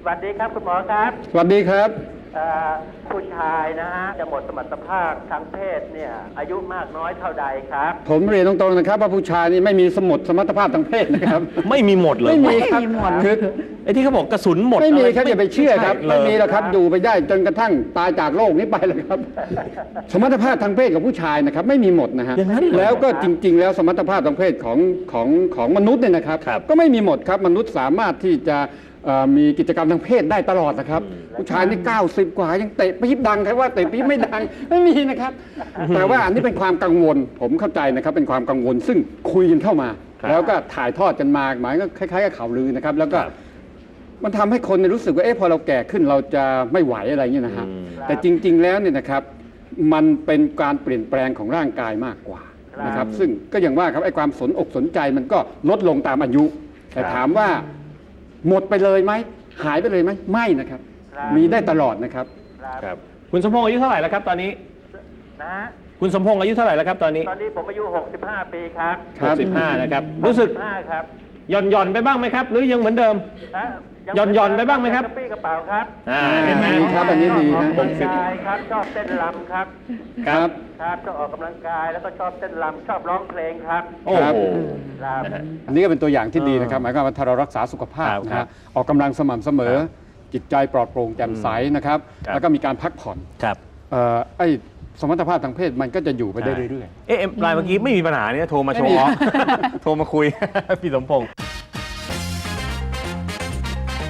สวัสดีครับคุณหมอครับสวัสดีครับผู้ชายนะฮะจะหมดสมรรถภาพทางเพศเนี่ยอายุมากน้อยเท่าใดครับผมเรียนตรงๆนะครับว่าผู้ชายนี่ไม่มีสมรรถภาพทางเพศนะครับไม่มีหมดเลยไม่มีครับคือไอ้ที่เขาบอกกระสุนหมดไม่มีอะครับอย่าไปเชื่อครับใช่ไม่มีเลยหรอกครับอยู่ไปได้จนกระทั่งตายจากโลกนี้ไปเลยครับ สมรรถภาพทางเพศของผู้ชายนะครับไม่มีหมดนะฮะอย่างนั้นเหรอแล้วก็จริง ๆ แล้วสมรรถภาพทางเพศของมนุษย์เนี่ยนะครับครับก็ไม่มีหมดครับมนุษย์สามารถที่จะมีกิจกรรมทางเพศได้ตลอดนะครับ ผู้ชายนี่90 กว่ายังเตะปี๊บดังใครว่าเตะปี๊บไม่ดังไม่มีนะครับ แต่ว่าอันนี้เป็นความกังวลผมเข้าใจนะครับเป็นความกังวลซึ่งคุยกันเข้ามา แล้วก็ถ่ายทอดกันมาหมายก็คล้ายๆกับข่าวลือนะครับแล้วก็ มันทำให้คนเนี่ยรู้สึกว่าพอเราแก่ขึ้นเราจะไม่ไหวอะไรเงี้ยนะฮะแต่จริง ๆ แล้วเนี่ยนะครับมันเป็นการเปลี่ยนแปลงของร่างกายมากกว่านะครับซึ่งก็อย่างว่าครับไอ้ความสนอกสนใจมันก็ลดลงตามอายุ แต่ถามว่าหมดไปเลยไหมหายไปเลยไหมไม่นะครับ มีได้ตลอดนะครับครับคุณสมพงษ์อายุเท่าไหร่แล้วครับตอนนี้นะฮะคุณสมพงษ์อายุเท่าไหร่แล้วครับตอนนี้ตอนนี้ผมอายุ65 ปีครับครับ 65นะครับรู้สึก 65ครับหย่อนไปบ้างไหมครับ หรือยังเหมือนเดิมฮะหย่อนไปบ้างไหมครับกระปี้กระเป๋าครับเห็นไหมดีครับอันนี้ดีออกนะกำลังกายครับชอบเต้นรำครับครับครับชอบออกกำลังกายแล้วก็ชอบเต้นรำชอบร้องเพลงครับโอ้ครับโหครับอันนี้ก็เป็นตัวอย่างที่ดีนะครับหมายความว่าถ้าเรารักษาสุขภาพครับนะครัฮะบออกกำลังสม่ำเสมอ จิตใจปลอดโปร่งแจ่มใสนะครับครับแล้วก็มีการพักผ่อนครับไอ้สมรรถภาพทางเพศมันก็จะอยู่ไปได้เรื่อยๆเอ๊ะไลน์เมื่อกี้ไม่มีปัญหาเนี่ยโทรมาโชว์ออฟโทรมาคุย พี่สมพงษ์